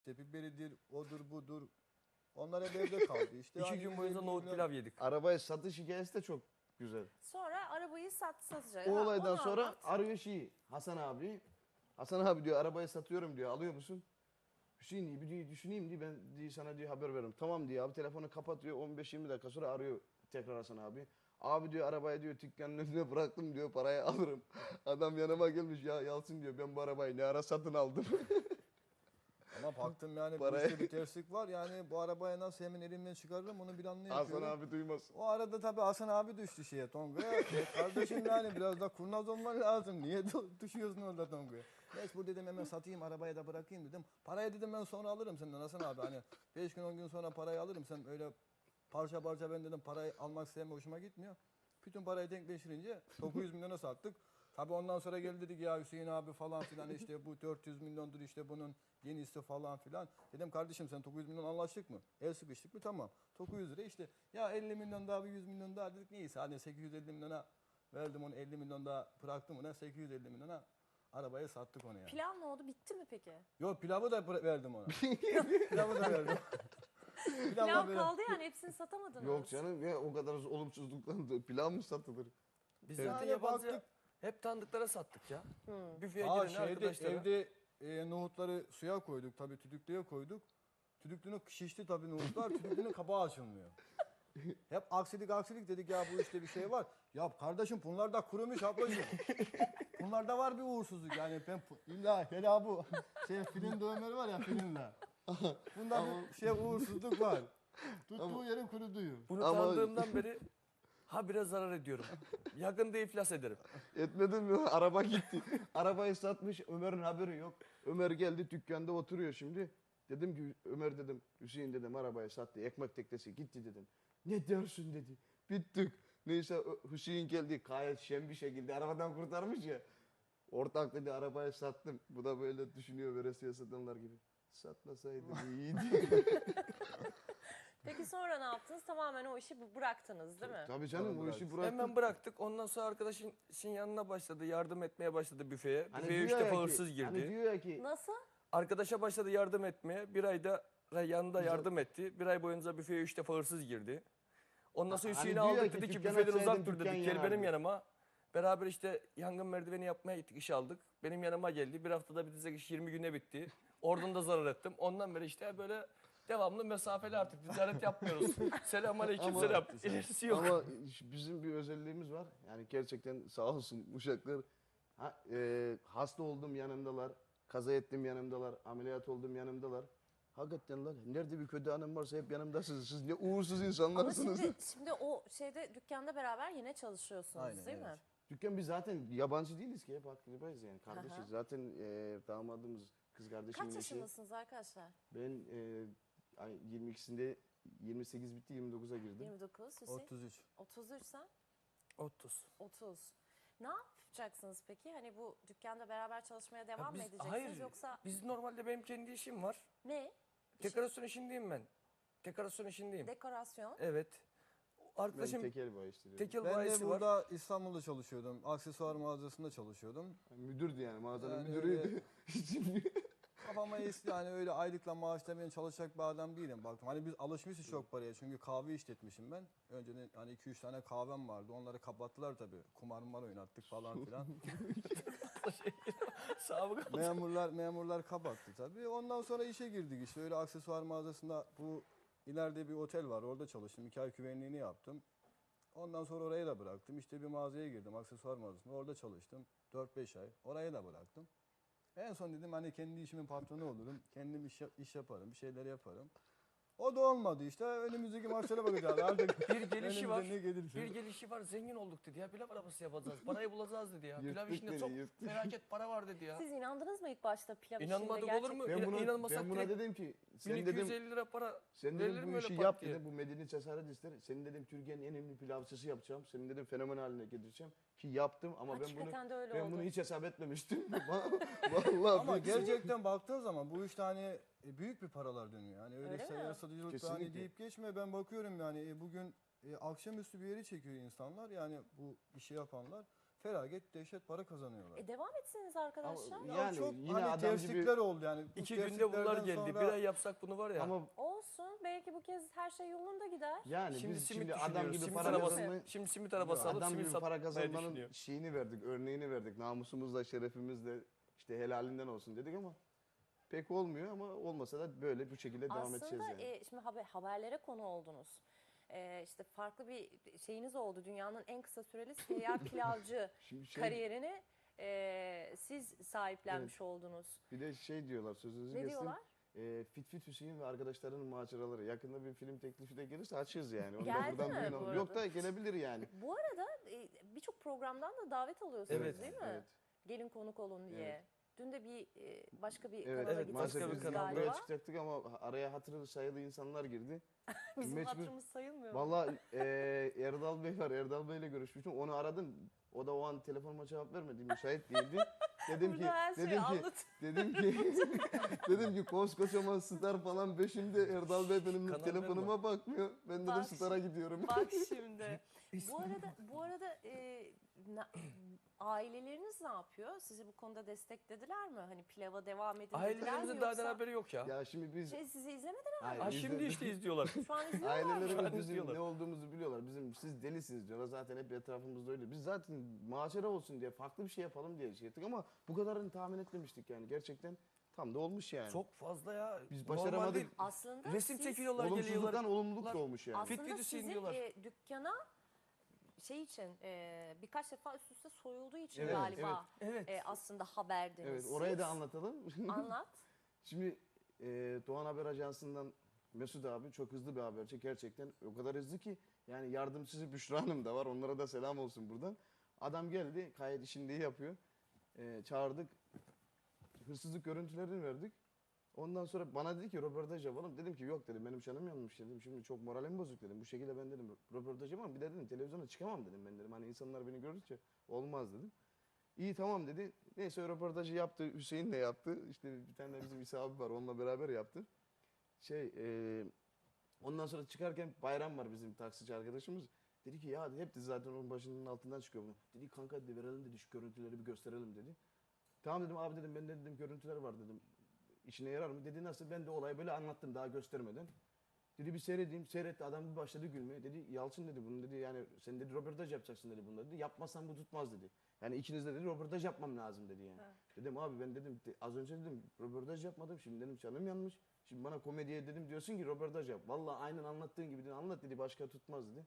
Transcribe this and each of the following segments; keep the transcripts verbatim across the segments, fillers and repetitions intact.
İşte biberidir, odur budur. Onlar hep evde kaldı işte. İki Hani gün boyunca elli nohut milyon- pilav yedik. Arabaya satış hikayesi de çok güzel. Sonra arabayı sat satacak. O Ha, olaydan onu sonra anlat. arıyor şeyi Hasan abi. Hasan abi diyor arabayı satıyorum diyor, alıyor musun? Hüseyin bir diyor, düşüneyim diye ben diye sana diyor haber veririm. Tamam diyor abi, telefonu kapatıyor, on beş yirmi dakika sonra arıyor tekrar Hasan abi. Abi diyor arabayı diyor dükkanın önüne bıraktım diyor, parayı alırım. Adam yanıma gelmiş, ya Yalçın diyor ben bu arabayı ne ara satın aldım. Ama baktım yani bu Parayı- işte bir terslik var. Yani bu arabaya nasıl hemen elimden çıkarırım onu bir Hasan anlayamıyorum. abi duymaz. O arada tabii Hasan abi düştü şeye Tonga'ya. E kardeşim yani biraz da kurnaz olman lazım. Niye du- düşüyorsun orada Tonga'ya? Neyse bu dedim hemen satayım arabaya da bırakayım dedim. Parayı dedim ben sonra alırım senden Hasan abi. Hani beş gün on gün sonra parayı alırım. Sen öyle parça parça ben dedim parayı almak sevme hoşuma gitmiyor. Bütün parayı denkleştirince dokuz yüz milyona sattık. Tabii ondan sonra geldi dedik ya Hüseyin abi falan filan işte bu dört yüz milyondur işte bunun yenisi falan filan. Dedim kardeşim sen dokuz yüz milyon anlaştık mı? El sıkıştık mı? Tamam. dokuz yüz lira işte ya elli milyon daha bir yüz milyon daha dedik neyse hadi sekiz yüz elli milyona verdim onu elli milyon daha bıraktım ona sekiz yüz elli milyona arabayı sattık onu yani. Pilav ne oldu? Bitti mi peki? Yok pilavı da bıra- verdim ona. Pilavı da verdim. Pilavı da Pilav verdim. kaldı yani hepsini satamadınız. Yok canım ya, o kadar olumsuzluktan da pilav mı satılır? Biz Evet. zaten Yani yabancı baktık. hep tanıdıklara sattık ya. Büfeye Aa, giren şeyde, arkadaşlara. evde e, nohutları suya koyduk tabii tüdüklüye koyduk. Tüdüklünün şişti tabii nohutlar tüdüklünün kapağı açılmıyor. Hep aksilik aksilik dedik ya bu işte bir şey var. Ya kardeşim bunlar da kurumuş ablacığım. Bunlarda var bir uğursuzluk yani ben pu- illa hele bu şey film dövmeleri var ya filmler. Bunda bir şey uğursuzluk var. Tuttuğu yerin kuruduğu. Bunu Ama- tanıdığımdan beri ha biraz zarar ediyorum. Yakında iflas ederim. Etmedin mi? Araba gitti. Arabayı satmış, Ömer'in haberi yok. Ömer geldi dükkanda oturuyor şimdi. Dedim ki Ömer dedim, Hüseyin dedim arabayı sattı, ekmek teknesi gitti dedim. Ne dersin dedi. Bittik. Neyse Ö- Hüseyin geldi gayet şen bir şekilde arabadan kurtarmış ya. Ortak dedi arabayı sattım. Bu da böyle düşünüyor veresiye satanlar gibi. Satmasaydım iyiydi. Peki sonra ne yaptınız? Tamamen o işi bu- bıraktınız değil mi? Tabii canım bu işi bıraktık. Hemen bıraktık. Ondan sonra arkadaşın işin yanına başladı. Yardım etmeye başladı büfeye. Hani Büfeye diyor üç ya defa ki- hırsız girdi. Hani diyor ya ki Nasıl? Arkadaşa başladı yardım etmeye. Bir ayda yanında yardım etti. Bir ay boyunca büfeye üç defa hırsız girdi. Ondan sonra Hani Hüseyin'i diyor ya aldık ki, dedi ki dükkan büfeden açsaydın uzak dur dükkan dedik. Gel benim yanardı. yanıma. Beraber işte yangın merdiveni yapmaya gittik, iş aldık. Benim yanıma geldi. Bir haftada bitecek iş yirmi güne bitti. Oradan da zarar ettim. Ondan beri işte böyle devamlı mesafeli artık ticaret yapmıyoruz. Selamünaleyküm Ama- selam. İlerisi yok. ama bizim bir özelliğimiz var. Yani gerçekten sağ olsun uşaklar. Ha, e, hasta oldum yanımdalar. Kaza ettim yanımdalar. Ameliyat oldum yanımdalar. Hakikaten lan nerede bir kötü anım varsa hep yanımdasınız. Siz ne uğursuz Ama insanlarsınız. şimdi, şimdi o şeyde dükkanda beraber yine çalışıyorsunuz Aynen, değil mi? evet. Dükkan biz zaten yabancı değiliz ki hep akrabayız yani kardeşiz. Aha. Zaten e, damadımız kız kardeşimin Kaç eşi. yaşındasınız arkadaşlar? Ben e, ay, yirmi ikisinde yirmi sekiz bitti yirmi dokuza girdim. yirmi dokuz, Hüseyin? otuz üç. otuz üç sen? otuz. otuz. Ne yapacaksınız peki? Hani bu dükkanda beraber çalışmaya devam Ya mı biz- edeceksiniz hayır, yoksa Biz normalde benim kendi işim var. ne? Dekorasyon işindeyim ben. Dekorasyon işindeyim. Dekorasyon. Evet. Ben Arkadaşım tekel bayi işleriyorum. tekel Ben de bayisi var. burada İstanbul'da çalışıyordum. Aksesuar mağazasında çalışıyordum. Müdürdü yani mağazanın Yani müdürüydü. Kafama esti yani öyle aylıkla maaşla ben çalışacak bir adam değilim baktım. Hani biz alışmışız çok paraya çünkü kahve işletmişim ben. Önceden hani iki üç tane kahvem vardı onları kapattılar tabii. Kumar mumar oynattık falan filan. Sabık memurlar memurlar kapattı tabii. Ondan sonra işe girdik işte öyle aksesuar mağazasında bu ileride bir otel var orada çalıştım. İki ay güvenliğini yaptım. Ondan sonra orayı da bıraktım. İşte bir mağazaya girdim aksesuar mağazasında orada çalıştım. dört beş ay orayı da bıraktım. En son dedim hani kendi işimin patronu olurum. Kendim iş, iş yaparım, bir şeyler yaparım. O da olmadı işte. Önümüzdeki maçlara bakacağız artık. Bir gelişi var. önümüze ne gelirse. Bir gelişi var. Zengin olduk dedi ya. Pilav arabası yapacağız. Parayı bulacağız dedi ya. Pilav Yırttık işinde beni, çok yırttık. felaket para var dedi ya. Siz inandınız mı ilk başta pilav işinde İnanmadık gerçekten? olur mu? Ben İna- buna, inanmasak ben buna direkt dedim ki sen bin iki yüz dedim elli lira para sen verilir dedim mi bu öyle işi pat yap diye? dedim bu medeni cesaret ister. Senin dedim Türkiye'nin en önemli pilavcısı yapacağım. Senin dedim fenomen haline getireceğim ki yaptım ama ben bunu Hakikaten de öyle ben oldu. bunu hiç hesap etmemiştim. Vallahi Ama bir- gerçekten baktığın zaman bu işte hani e, büyük bir paralar dönüyor. Yani öyle, Öyle mi? seyyar satıcılık hani Kesinlikle. deyip geçme. Ben bakıyorum yani e, bugün e, akşamüstü bir yeri çekiyor insanlar. Yani bu işi yapanlar. felaket dehşet para kazanıyorlar. E devam etsiniz arkadaşlar. Ama- Ya Yani çok yine hani adam gibi- terslikler oldu yani. Bu İki günde bunlar tersliklerden geldi. sonra- Bir ay yapsak bunu var ya. Ama Olsun. Belki bu kez her şey yolunda gider. yani Şimdi biz simit şimdi adam düşünüyoruz. gibi Simit para arabası, kazanmayı şimdi simit arabası alıp adam simit gibi para satmayı kazanmanın düşünüyor. şeyini verdik, örneğini verdik. Namusumuzla, şerefimizle işte helalinden olsun dedik ama pek olmuyor ama olmasa da böyle bu şekilde devam edeceğiz Aslında yani. e, şimdi haber, haberlere konu oldunuz. E, işte farklı bir şeyiniz oldu. Dünyanın en kısa süreli seyyar pilavcı Şimdi şey, kariyerini e, siz sahiplenmiş oldunuz. bir de şey diyorlar sözünüzü Ne kestim. diyorlar? E, Fit Fit Hüseyin ve arkadaşlarının maceraları. Yakında bir film teklifi de gelirse açığız yani. Onu da Geldi buradan mi duyun bu oğlum. arada? Yok da gelebilir yani. Bu arada e, birçok programdan da davet alıyorsunuz Evet, değil mi? evet. Gelin konuk olun diye. Evet. Dün de bir e, başka bir Evet, kanala evet, gitmişsiniz başka bir maalesef biz kanal. de galiba. buraya çıkacaktık ama araya hatırı sayılı insanlar girdi. Bizim Mecbur- hatırımız sayılmıyor. mu? Vallahi e, Erdal Bey var. Erdal Bey'le görüşmüştüm. Onu aradım. O da o an telefonuma cevap vermedi. Müsait değildi. Dedim ki Burada her şeyi dedim ki anlat. dedim ki dedim ki koskocaman star falan peşimde Erdal Bey benim Kanal telefonuma bakmıyor. Ben dedim Bak star'a gidiyorum. Bak şimdi. bu arada bu arada e, na- aileleriniz ne yapıyor? Sizi bu konuda desteklediler mi? Hani pilava devam edin dediler mi Ailelerimizin daha yoksa? haberi yok ya. Ya şimdi biz Şey, sizi izlemediler Hayır, Ha, biz şimdi de- işte izliyorlar. şu an izliyorlar mı? ailelerimiz Şu an bizim izliyorlar. ne olduğumuzu biliyorlar. Bizim siz delisiniz diyorlar. Zaten hep etrafımızda öyle. Biz zaten macera olsun diye farklı bir şey yapalım diye şey ettik ama bu kadarını tahmin etmemiştik yani. Gerçekten tam da olmuş yani. Çok fazla ya. Biz Normal başaramadık. değil. Aslında Resim siz, çekiyorlar, Olumsuzluktan geliyorlar. olumluluk da olmuş yani. Fit aslında Fit Hüseyin sizin diyorlar. e, dükkana şey için e, birkaç defa üst üste soyulduğu için Evet, galiba Evet. e, aslında haberdiniz. Evet, orayı da siz. anlatalım. Anlat. Şimdi e, Doğan Haber Ajansı'ndan Mesut abi çok hızlı bir haberci. Gerçekten o kadar hızlı ki yani yardımcısı Büşra Hanım da var. Onlara da selam olsun buradan. Adam geldi, kayıt işini iyi yapıyor. E, çağırdık. Hırsızlık görüntülerini verdik. Ondan sonra bana dedi ki röportaj yapalım. Dedim ki yok dedim, benim canım yanmış dedim. Şimdi çok moralim bozuk dedim. Bu şekilde ben dedim röportaj yapamam. Bir de dedim televizyona çıkamam dedim ben dedim. Hani insanlar beni görünce olmaz dedim. İyi tamam dedi. Neyse röportajı yaptı. Hüseyin de yaptı. İşte bir tane de bizim İsa abi var. Onunla beraber yaptı. Şey e, ondan sonra çıkarken Bayram var bizim taksici arkadaşımız. Dedi ki ya hep de zaten onun başının altından çıkıyor bunu. Dedi kanka dedi verelim dedi şu görüntüleri bir gösterelim dedi. Tamam dedim abi dedim ben de dedim görüntüler var dedim. İşine yarar mı? Dedi nasıl? Ben de olayı böyle anlattım daha göstermeden. Dedi bir seyredeyim. Seyretti adam bir başladı gülmeye. Dedi Yalçın dedi bunu dedi yani sen dedi röportaj yapacaksın dedi bunda dedi. Yapmazsan bu tutmaz dedi. Yani ikiniz de dedi röportaj yapmam lazım dedi yani. Evet. Dedim abi ben dedim de- az önce dedim röportaj yapmadım. Şimdi dedim canım yanmış. Şimdi bana komediye dedim diyorsun ki röportaj yap. Vallahi aynen anlattığın gibi dedi anlat dedi başka tutmaz dedi.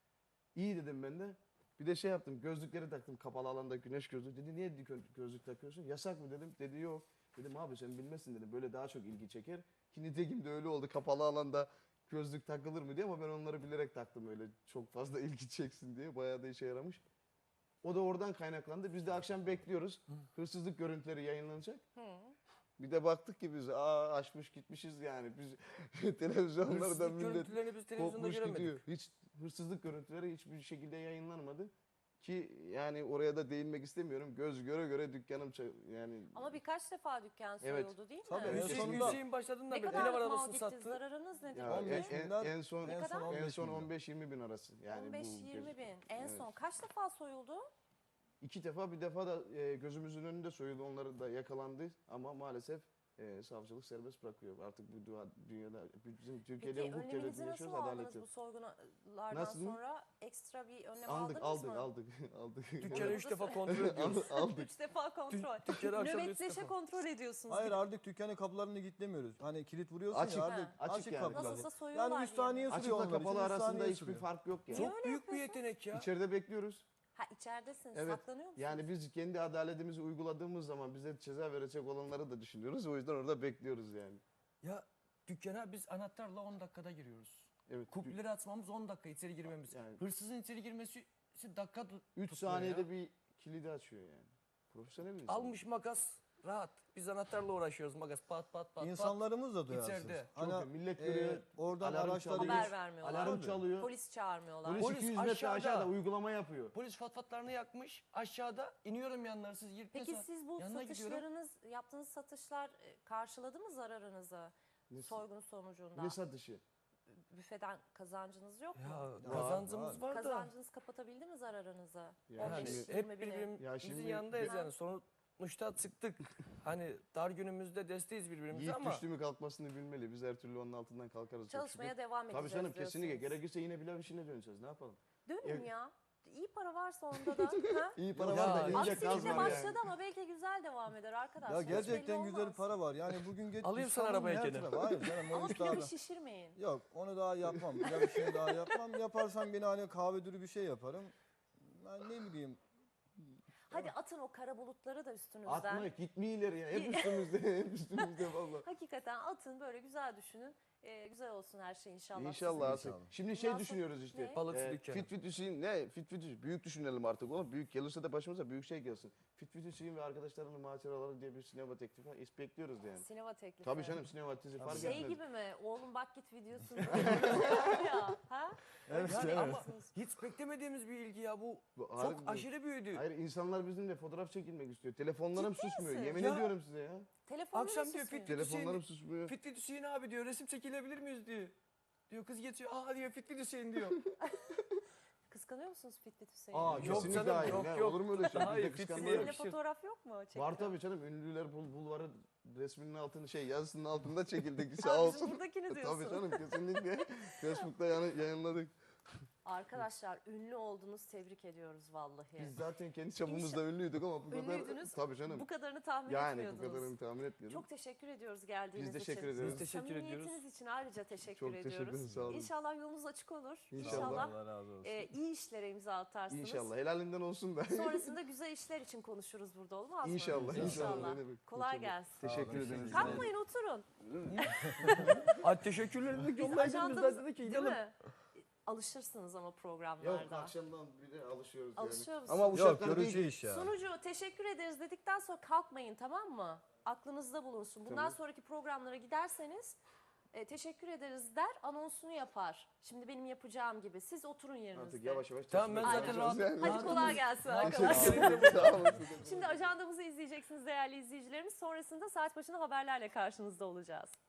İyi dedim ben de. Bir de şey yaptım gözlükleri taktım kapalı alanda güneş gözlüğü. Dedi niye dedi gö- gözlük takıyorsun? Yasak mı dedim. Dedi yok. Dedim abi sen bilmezsin dedim böyle daha çok ilgi çeker. Ki nitekim de öyle oldu kapalı alanda gözlük takılır mı diye ama ben onları bilerek taktım öyle çok fazla ilgi çeksin diye. Bayağı da işe yaramış. O da oradan kaynaklandı. Biz de akşam bekliyoruz. Hırsızlık görüntüleri yayınlanacak. Hı. Bir de baktık ki biz aa açmış gitmişiz yani. Biz televizyonlarda Hırsızlık millet görüntülerini biz televizyonda kopmuş göremedik. gidiyor. Hiç hırsızlık görüntüleri hiçbir şekilde yayınlanmadı. Ki yani oraya da değinmek istemiyorum. Göz göre göre dükkanım ça- yani Ama birkaç defa dükkan Evet. soyuldu değil mi? Tabii, en Hüseyin, sonunda- Hüseyin başladığında Ne beri ev kadar mal arabasını gitti? sattı. Zararınız nedir? ya on en, beş en, binden- en son Ne en kadar? son en son bin lira. on beş yirmi bin arası. Yani on beş bu yirmi gez- bin. En Evet. son kaç defa soyuldu? İki defa bir defa da e, gözümüzün önünde soyuldu. Onları da yakalandı ama maalesef e, savcılık serbest bırakıyor. Artık bu dua, dünyada bizim Türkiye'de Peki hukuk devleti önleminizi nasıl yaşıyoruz adalet aldınız yok. bu soygunlardan Nasıl? sonra? Ekstra bir önlem Aldık aldınız aldık mı? aldık aldık. Dükkanı üç defa kontrol ediyoruz. aldık. aldık. Üç defa kontrol. Dükkanı akşam üç Nöbetleşe defa. kontrol ediyorsunuz. Hayır artık dükkanın kapılarını kilitlemiyoruz. Hani kilit vuruyorsun Açık. ya artık Ha. Açık açık, yani. kapılar. Nasılsa soyuyorlar Yani üç diye. saniye sürüyor Açıkla onlar için. kapalı üç arasında saniye hiçbir sürüyor. fark yok yani. Niye Çok öyle büyük bir yapıyorsunuz? yetenek ya. İçeride bekliyoruz. Ha içeridesiniz. Evet. Saklanıyor musunuz? Yani biz kendi adaletimizi uyguladığımız zaman bize ceza verecek olanları da düşünüyoruz. O yüzden orada bekliyoruz yani. Ya dükkana biz anahtarla on dakikada giriyoruz. Evet. Kupleri açmamız on dakika içeri girmemiz. Yani- Hırsızın içeri girmesi dakika tut- üç tutmuyor saniyede ya. bir kilidi açıyor yani. Profesyonel bir insan. Almış makas rahat. Biz anahtarla uğraşıyoruz makas pat pat pat pat. İnsanlarımız da duyarsız. İçeride. Çok iyi. Millet görüyor, oradan alarm araçları çalıyor. Haber vermiyorlar. Alarm Tabii. çalıyor. Polis çağırmıyorlar. Polis, Polis iki yüz metre aşağıda. aşağıda uygulama yapıyor. Polis fatfatlarını yakmış. Aşağıda iniyorum yanlarına siz girip Peki mesela siz bu yanına gidiyorum. satışlarınız, yaptığınız satışlar e, karşıladı mı zararınızı Ne- soygun sonucunda? Ne satışı? büfeden kazancınız yok mu? Ya kazancımız var, da. Kazancınız kapatabildi mi zararınızı? Ya on beş, Yani şimdi- hep yirmi bini. birbirimizin Ya şimdi- yanındayız Ha. yani. Sonuçta çıktık. Hani dar günümüzde desteğiz birbirimize Yiğit ama düştü mü kalkmasını bilmeli. Biz her türlü onun altından kalkarız. çok Çalışmaya şükür. devam edeceğiz Tabii canım kesinlikle. diyorsunuz. Gerekirse yine pilav işine döneceğiz. Ne yapalım? Dönün Ya- ya. İyi para varsa onda da. ha? İyi para Ya, var da ince Aksilikle kaz var başladı yani. ama belki güzel devam eder arkadaşlar. Ya Hiç gerçekten belli güzel olmaz. para var. Yani bugün geç Alayım sana İstanbul'un arabaya her gene. tarafı- Hayır canım o Ama iş pilavı daha- şişirmeyin. Yok onu daha yapmam. Pilav işini daha yapmam. Yaparsam yine hani kahve dürü bir şey yaparım. Ben ne bileyim. Hadi atın o kara bulutları da üstünüzden. Atma gitme ileri ya. Hep üstümüzde. Hep üstümüzde valla. Hakikaten atın böyle güzel düşünün. Ee, güzel olsun her şey inşallah. İnşallah sizin. artık. Şimdi şey Bundan sonra- düşünüyoruz işte. Ne? Balıkçı Ee, dükkanı. fit fit Hüseyin ne? Fit fit Hüseyin. Büyük düşünelim artık oğlum. Büyük gelirse de başımıza büyük şey gelsin. Fit fit Hüseyin ve arkadaşlarının maceraları diye bir sinema teklifi is- bekliyoruz yani. Sinema teklifi. Tabii canım sinema dizi fark Şey etmez. gibi mi? Oğlum bak git videosunu. ya. Ha? Evet, yani evet. ama hiç beklemediğimiz bir ilgi ya bu. Bu Çok harbi- aşırı büyüdü. Hayır insanlar bizimle fotoğraf çekilmek istiyor. Telefonlarım Ciddi susmuyor. misin? Yemin Ya. ediyorum size ya. Telefonunu Akşam mu diyor susmuyor? fit fit Telefonlarım Hüseyin, susmuyor. fit fit Hüseyin abi diyor resim çekilebilir miyiz diyor. Diyor kız geçiyor aa diyor fit fit Hüseyin diyor. Kıskanıyor musunuz Fit Fit Hüseyin'i? Aa Yok kesinlikle canım, hayır. yok, Ne, yok. Olur mu öyle şey? Hayır, Bizde fit kıskanma Hüseyin'le yok. Seninle bir şey- fotoğraf yok mu? Çektiren? Var tabii canım. Ünlüler bul bulvarı resminin altını şey yazısının altında çekildik. Ha, Sağ bizim olsun. buradakini diyorsun. Tabii canım kesinlikle. Facebook'ta yani yayınladık. Arkadaşlar ünlü oldunuz, tebrik ediyoruz vallahi. Biz zaten kendi çapımızda ünlüydük ama bu kadar. Ünlüydünüz. Tabii canım. Bu kadarını tahmin Yani bu etmiyordunuz. kadarını tahmin etmiyordum. Çok teşekkür ediyoruz geldiğiniz Biz için. teşekkür ederiz. Biz teşekkür ediyoruz. Samimiyetiniz için ayrıca teşekkür Çok teşekkür ediyoruz. ederim, sağ olun. İnşallah yolunuz açık olur. İnşallah. Allah razı olsun. e, iyi işlere imza atarsınız. İnşallah. Helalinden olsun da. Sonrasında güzel işler için konuşuruz burada olmaz mı? İnşallah. İnşallah. Ne demek, Kolay inşallah. gelsin. Teşekkür Sağ olun, ederiz. Kalkmayın oturun. Ay teşekkürlerimi Biz yollayın biz ajandamız de dedik ki değil gidelim. mi? Alışırsınız ama Yok programlarda. akşamdan bir de alışıyoruz Alışıyor yani. musun? Ama bu Yok şartlar görücü değil. iş ya. Sunucu teşekkür ederiz dedikten sonra kalkmayın tamam mı? Aklınızda bulunsun. Bundan Tamam. sonraki programlara giderseniz e, teşekkür ederiz der anonsunu yapar. Şimdi benim yapacağım gibi. Siz oturun yerinizde. Artık yavaş yavaş. Tamam, ben çalışmaya zaten çalışacağız rahat- yani. Hadi kolay gelsin Teşekkür arkadaşlar. ederim. Sağ olun. Şimdi ajandamızı izleyeceksiniz değerli izleyicilerimiz. Sonrasında saat başına haberlerle karşınızda olacağız.